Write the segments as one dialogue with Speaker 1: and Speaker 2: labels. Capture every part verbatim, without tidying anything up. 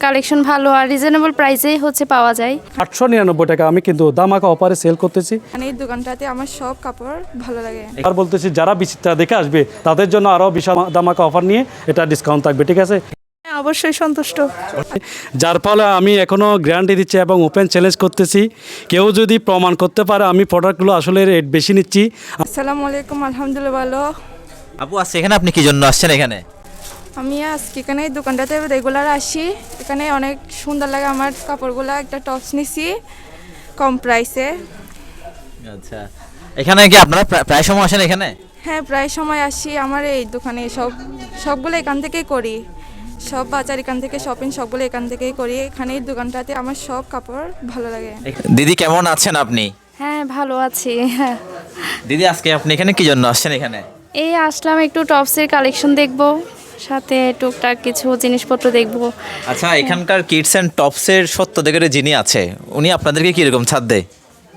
Speaker 1: Collection ভালো আর reasonable প্রাইসেই হচ্ছে পাওয়া যায়।
Speaker 2: আটশো নিরানব্বই টাকা আমি কিন্তু দামাকা অফারে সেল করতেছি।
Speaker 3: মানে এই দোকানটাতে আমার সব কাপড় ভালো লাগে।
Speaker 2: আর বলতেছি যারা বিচিত্রা দেখে আসবে তাদের জন্য আরও বিশাল দামাকা অফার নিয়ে এটা ডিসকাউন্ট থাকবে, ঠিক আছে?
Speaker 3: অবশ্যই সন্তুষ্ট।
Speaker 2: যার ফলে আমি এখনও গ্যারান্টি দিচ্ছি এবং ওপেন চ্যালেঞ্জ করতেছি, কেউ যদি প্রমাণ করতে পারে আমি প্রোডাক্টগুলো আসলে রেট বেশি নিচ্ছি।
Speaker 3: আসসালামু আলাইকুম, আলহামদুলিল্লাহ ভালো।
Speaker 4: আপু আজকে এখানে আপনি কি জন্য আসছেন এখানে?
Speaker 3: আমি আজকে এখানে এই দোকানটাতে রেগুলার আসি, এখানে অনেক সুন্দর লাগে আমার কাপড়গুলো। একটা টপস নিছি কম প্রাইসে।
Speaker 4: আচ্ছা, এখানে কি আপনারা প্রা- প্রায় সময় আসেন এখানে?
Speaker 3: হ্যাঁ, প্রায় সময় আসি। আমার এই দোকানে সব সবগুলো এখান থেকেই করি, সব বাজার এখান থেকে, শপিং সবগুলো এখান থেকেই করি। এখানে এই দোকানটাতে আমার সব কাপড় ভালো লাগে।
Speaker 4: দিদি কেমন আছেন আপনি?
Speaker 1: হ্যাঁ, ভালো আছি। হ্যাঁ,
Speaker 4: দিদি আজকে আপনি এখানে কি জন্য আসছেন এখানে?
Speaker 1: এই আসলাম একটু টপসের কালেকশন দেখব, সাথে টুকটাক কিছু জিনিসপত্র দেখব।
Speaker 4: আচ্ছা, এখানকার কিডস অ্যান্ড টপসের সত্য দেখে যিনি আছে উনি আপনাদেরকে কীরকম ছাড় দেয়?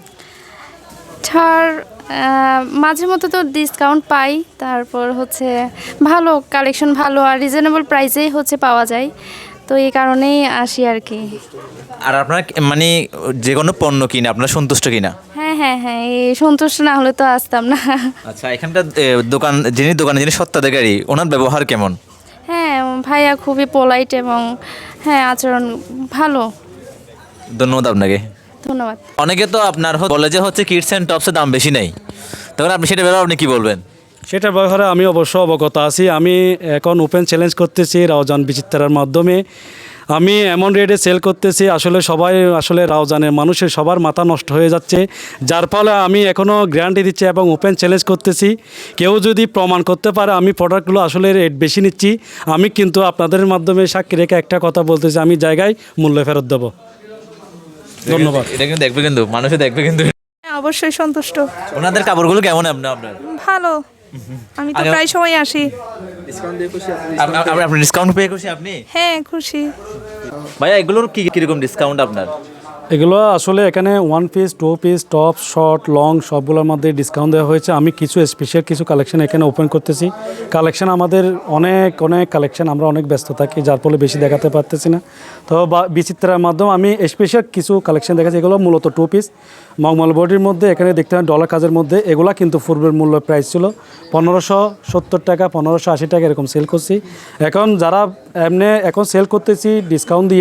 Speaker 1: ছাড় আহ, মাঝে মধ্যে তো ডিসকাউন্ট পাই, তারপর হচ্ছে ভালো কালেকশন ভালো আর রিজনেবল প্রাইসেই হচ্ছে পাওয়া যায়, তো এই কারণেই আসি আর কি।
Speaker 4: আর আপনার মানে যে কোনো পণ্য কিনে আপনার সন্তুষ্ট কিনা?
Speaker 1: হ্যাঁ হ্যাঁ হ্যাঁ, এই সন্তুষ্ট না হলে তো আসতাম না।
Speaker 4: আচ্ছা, এখানকার এ, দোকান যিনি দোকানে যিনি সত্ত্বাধিকারী ওনার ব্যবহার কেমন?
Speaker 1: হ্যাঁ, ভাইয়া খুবই পোলাইট এবং হ্যাঁ আচরণ ভালো।
Speaker 4: ধন্যবাদ আপনাকে।
Speaker 1: ধন্যবাদ।
Speaker 4: অনেকে তো আপনার হ- বলে যে হচ্ছে কিডস অ্যান্ড টপসের দাম বেশি নেই, তখন আপনি সেটা ব্যাপারে আপনি কী বলবেন?
Speaker 2: সেটার ব্যাপারে আমি অবশ্য অবগত আছি। আমি এখন ওপেন চ্যালেঞ্জ করতেছি রাউজান বিচিত্রার মাধ্যমে। আমি এমন রেটে সেল করতেছি আসলে সবাই আসলে রাউজানের মানুষের সবার মাথা নষ্ট হয়ে যাচ্ছে, যার ফলে আমি এখনও গ্যারান্টি দিচ্ছি এবং ওপেন চ্যালেঞ্জ করতেছি, কেউ যদি প্রমাণ করতে পারে আমি প্রোডাক্টগুলো আসলে রেট বেশি নিচ্ছি, আমি কিন্তু আপনাদের মাধ্যমে সাক্ষী রেখে একটা কথা বলতেছি, আমি জায়গায় মূল্য ফেরত দেবো। ধন্যবাদ।
Speaker 4: এটা কিন্তু দেখবে, কিন্তু মানুষে দেখবে কিন্তু।
Speaker 3: হ্যাঁ, অবশ্যই সন্তুষ্ট।
Speaker 4: ওনাদের কাপড়গুলো কেমন আপনার আপনার
Speaker 3: ভালো, আমি তো
Speaker 4: আগে-
Speaker 3: প্রায় সময় আসি।
Speaker 4: আপ- আপ- আপনি ডিসকাউন্ট পে করছি আপনি?
Speaker 3: হ্যাঁ, খুশি।
Speaker 4: ভাইয়া এগুলোর কি কিরকম ডিসকাউন্ট আপনার?
Speaker 2: এগুলো আসলে এখানে one piece, two piece, top, short, long সবগুলোর মধ্যে ডিসকাউন্ট দেওয়া হয়েছে। আমি কিছু স্পেশাল কিছু কালেকশন এখানে ওপেন করতেছি। কালেকশন আমাদের অনেক অনেক কালেকশন, আমরা অনেক ব্যস্ত থাকি যার ফলে বেশি দেখাতে পারতেছি না। তো বা বিচিত্রার মাধ্যমে আমি স্পেশাল কিছু কালেকশন দেখাচ্ছি। এগুলো মূলত টু পিস মগমল বডির মধ্যে, এখানে দেখতে পারেন ডলার কাজের মধ্যে। এগুলা কিন্তু পূর্বের মূল্য প্রাইস ছিল পনেরোশো সত্তর টাকা, পনেরোশো আশি টাকা এরকম সেল করছি। এখন যারা এমনি এখন সেল করতেছি ডিসকাউন্ট দিয়ে,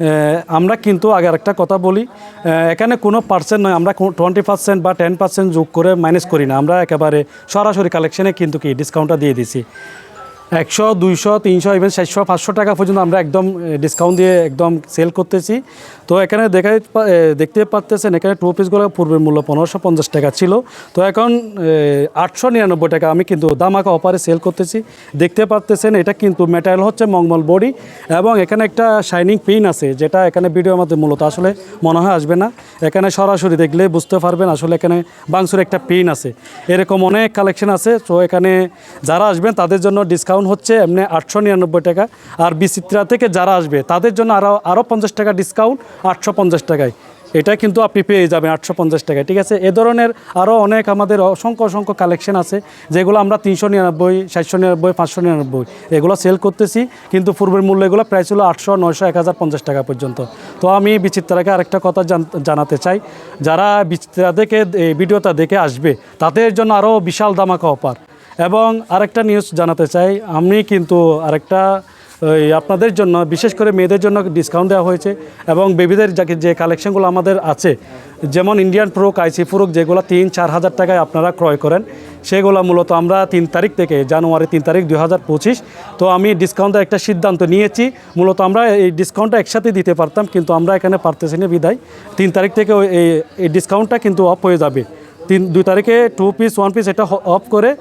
Speaker 2: আমরা কিন্তু আগে আরেকটা কথা বলি, এখানে কোনো পার্সেন্ট নয়, আমরা টোয়েন্টি পার্সেন্ট বা টেন পার্সেন্ট যোগ করে মাইনাস করি না, আমরা একেবারে সরাসরি কালেকশনে কিন্তু কি ডিসকাউন্টটা দিয়ে দিছি। একশো, দুইশো, তিনশো, ইভেন চারশো, পাঁচশো টাকা পর্যন্ত আমরা একদম ডিসকাউন্ট দিয়ে একদম সেল করতেছি। তো এখানে দেখা দেখতে পাচ্ছেন এখানে টু পিসগুলো পূর্বের মূল্য পনেরোশো পঞ্চাশ টাকা ছিল, তো এখন আটশো নিরানব্বই টাকা আমি কিন্তু দামাকা অফারে সেল করতেছি। দেখতে পাচ্ছেন এটা কিন্তু ম্যাটেরিয়াল হচ্ছে মগমল বডি এবং এখানে একটা শাইনিং পিন আছে, যেটা এখানে ভিডিওর মধ্যে মূলত আসলে মনে হয় আসবে না, এখানে সরাসরি দেখলে বুঝতে পারবেন আসলে এখানে বাংসুর একটা পিন আছে। এরকম অনেক কালেকশন আছে। তো এখানে যারা আসবেন তাদের জন্য ডিসকাউন্ট হচ্ছে এমনি আটশো নিরানব্বই টাকা, আর বিচিত্রা থেকে যারা আসবে তাদের জন্য আরও আরও পঞ্চাশ টাকা ডিসকাউন্ট আটশো পঞ্চাশ টাকায়, এটা কিন্তু আপনি পেয়ে যাবেন আটশো পঞ্চাশ টাকায়, ঠিক আছে? এ ধরনের আরও অনেক আমাদের অসংখ্য অসংখ্য কালেকশন আছে যেগুলো আমরা তিনশো নিরানব্বই, সাতশো নিরানব্বই, পাঁচশো নিরানব্বই এগুলো সেল করতেছি, কিন্তু পূর্বের মূল্য এগুলো প্রাইস ছিল আটশো, নয়শো, এক হাজার পঞ্চাশ টাকা পর্যন্ত। তো আমি বিচিত্রাকে আরেকটা কথা জানাতে চাই, যারা বিচিত্রা দেখে এই ভিডিওটা দেখে আসবে তাদের জন্য আরও বিশাল দামাকা অফার। এবং আরেকটা নিউজ জানাতে চাই, আমি কিন্তু আরেকটা ওই আপনাদের জন্য বিশেষ করে মেয়েদের জন্য ডিসকাউন্ট দেওয়া হয়েছে এবং বেবিদের যাকে যে কালেকশনগুলো আমাদের আছে, যেমন ইন্ডিয়ান ফ্রক, আইসি ফ্রক যেগুলো তিন চার হাজার টাকায় আপনারা ক্রয় করেন, সেগুলো মূলত আমরা তিন তারিখ থেকে জানুয়ারি তিন তারিখ দুই হাজার পঁচিশ তো আমি ডিসকাউন্টের একটা সিদ্ধান্ত নিয়েছি। মূলত আমরা এই ডিসকাউন্টটা একসাথে দিতে পারতাম, কিন্তু আমরা এখানে পারতেছি না বিদায় তিন তারিখ থেকে এই এই ডিসকাউন্টটা কিন্তু অফ হয়ে যাবে। তিন দুই তারিখে টু পিস, ওয়ান পিস এটা অফ করে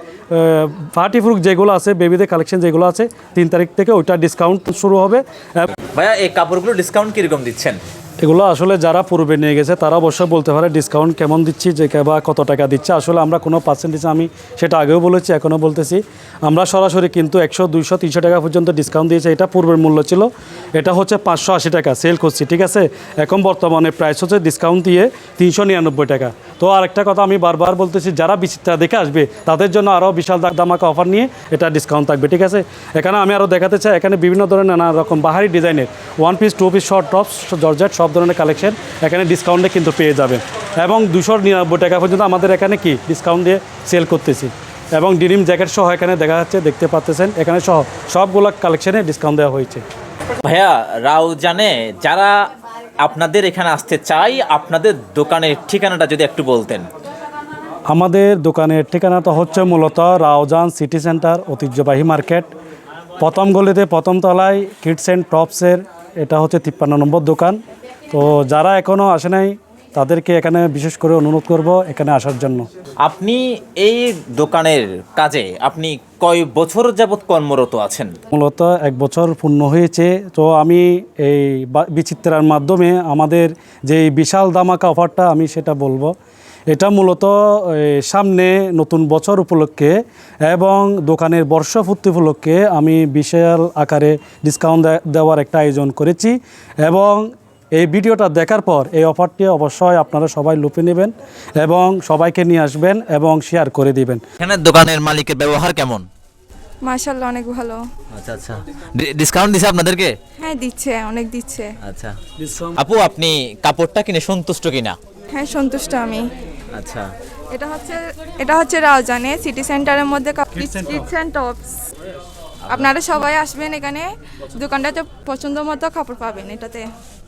Speaker 2: পার্টি ফ্রুক যেগুলো আছে, বেবিদের কালেকশন যেগুলো আছে, তিন তারিখ থেকে ওইটা ডিসকাউন্ট শুরু হবে।
Speaker 4: ভাইয়া এই কাপড়গুলো ডিসকাউন্ট কীরকম দিচ্ছেন?
Speaker 2: এগুলো আসলে যারা পূর্বে নিয়ে গেছে তারা অবশ্যই বলতে পারে ডিসকাউন্ট কেমন দিচ্ছি যে বা কত টাকা দিচ্ছে। আসলে আমরা কোনো পার্সেন্টেজ, আমি সেটা আগেও বলেছি এখনও বলতেছি, আমরা সরাসরি কিন্তু একশো দুইশো তিনশো টাকা পর্যন্ত ডিসকাউন্ট দিয়েছে। এটা পূর্বের মূল্য ছিল, এটা হচ্ছে পাঁচশো আশি টাকা সেল করছি, ঠিক আছে। এখন বর্তমানে প্রাইস হচ্ছে ডিসকাউন্ট দিয়ে তিনশো নিরানব্বই টাকা। তো আরেকটা কথা আমি বারবার বলতেছি, যারা বিচিত্রা দেখে আসবে তাদের জন্য আরও বিশাল দামাকা অফার নিয়ে এটা ডিসকাউন্ট থাকবে, ঠিক আছে। এখানে আমি আরও দেখাতে চাই, এখানে বিভিন্ন ধরনের নানা রকম বাহারি ডিজাইনের one piece, two piece, short tops, georgette সব ধরনের কালেকশন এখানে ডিসকাউন্টে কিন্তু পেয়ে যাবেন। এবং দুশো নিরানব্বই টাকা পর্যন্ত আমাদের এখানে কি ডিসকাউন্ট দিয়ে সেল করতেছি। এবং ডিনিম জ্যাকেট সহ এখানে দেখা যাচ্ছে, দেখতে পাচ্ছেন এখানে সহ সবগুলো কালেকশনে ডিসকাউন্ট দেওয়া হয়েছে।
Speaker 4: ভাইয়া, রাউজানে যারা আপনাদের এখানে আসতে চাই, আপনাদের দোকানের ঠিকানাটা যদি একটু বলতেন।
Speaker 2: আমাদের দোকানের ঠিকানাটা হচ্ছে মূলত রাউজান সিটি সেন্টার, ঐতিহ্যবাহী মার্কেট, প্রথম গলিতে প্রথম তলায় কিডস অ্যান্ড টপসের, এটা হচ্ছে তিপ্পান্ন নম্বর দোকান। তো যারা এখনও আসে নাই তাদেরকে এখানে বিশেষ করে অনুরোধ করব এখানে আসার জন্য।
Speaker 4: আপনি এই দোকানের কাজে আপনি কয় বছর যাবৎ কর্মরত আছেন?
Speaker 2: মূলত এক বছর পূর্ণ হয়েছে। তো আমি এই বা- বিচিত্রার মাধ্যমে আমাদের যে বিশাল দামাকা অফারটা আমি সেটা বলবো। এটা মূলত এই, সামনে নতুন বছর উপলক্ষে এবং দোকানের বর্ষপূর্তি উপলক্ষে আমি বিশাল আকারে ডিসকাউন্ট দে- দেওয়ার একটা আয়োজন করেছি। এবং এই ভিডিওটা দেখার পর এই অফারটি অবশ্যই আপনারা সবাই লুপে নেবেন এবং সবাইকে নিয়ে আসবেন এবং শেয়ার করে দিবেন।
Speaker 4: এখানে দোকানের মালিকের ব্যবহার কেমন?
Speaker 3: মাশাল্লাহ অনেক ভালো।
Speaker 4: আচ্ছা আচ্ছা, ডিসকাউন্ট দিছে আপনাদেরকে?
Speaker 3: হ্যাঁ দিচ্ছে, অনেক দিচ্ছে।
Speaker 4: আচ্ছা আপু, আপনি কাপড়টা কিনে সন্তুষ্ট কিনা?
Speaker 3: হ্যাঁ সন্তুষ্ট আমি।
Speaker 4: আচ্ছা,
Speaker 3: এটা হচ্ছে এটা হচ্ছে রাউজানে সিটি সেন্টারের মধ্যে কিডস অ্যান্ড টপস। আপনারা সবাই আসবেন এখানে, দোকানটাতে পছন্দ মতো কাপড় পাবেন এটাতে।